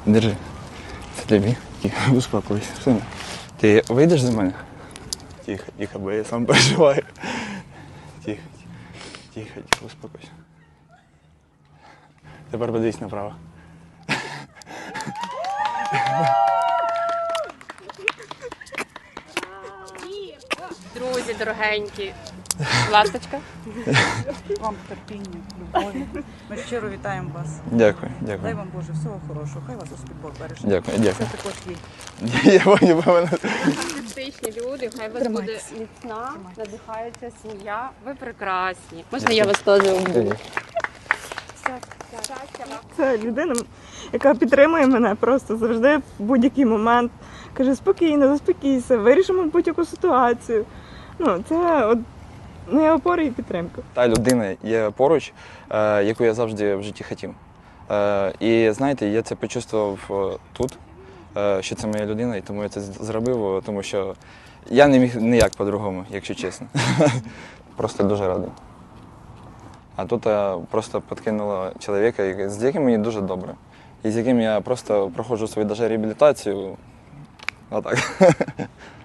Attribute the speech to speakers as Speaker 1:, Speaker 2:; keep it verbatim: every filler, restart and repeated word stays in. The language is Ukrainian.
Speaker 1: Держи. Це тобі. Тихо, успокойся. Сина. Ти вийдеш за мене? Тихо, тихо, бо я сам переживаю. Тихо, тихо, тихо, успокойся. Тепер подивись направо.
Speaker 2: Друзі, дорогенькі, ласточка.
Speaker 3: Вам терпіння, любові. Ми щиро вітаємо вас.
Speaker 1: Дякую,
Speaker 3: Дай
Speaker 1: дякую.
Speaker 3: вам Боже всього хорошого. Хай вас Господь Бог береже.
Speaker 1: Дякую, дякую.
Speaker 3: Це також є.
Speaker 1: Я понял, певно.
Speaker 2: Фантастичні люди, хай вас буде
Speaker 3: Тримайтеся.
Speaker 2: міцна, надихається сім'я. Ви прекрасні. Можна я вас теж обійму?
Speaker 4: Це людина, яка підтримує мене просто завжди в будь-який момент. Каже, спокійно, заспокійся, вирішимо будь-яку ситуацію. Ну, це от моя опора і підтримка.
Speaker 1: Та людина є поруч, е, яку я завжди в житті хотів. Е, і знаєте, я це почувствував е, тут, е, що це моя людина, і тому я це з- зробив, тому що я не міг ніяк по-другому, якщо чесно. Просто дуже радий. А тут е, просто підкинуло чоловіка, який- з яким мені дуже добре. І з яким я просто проходжу свою даже реабілітацію. Отак.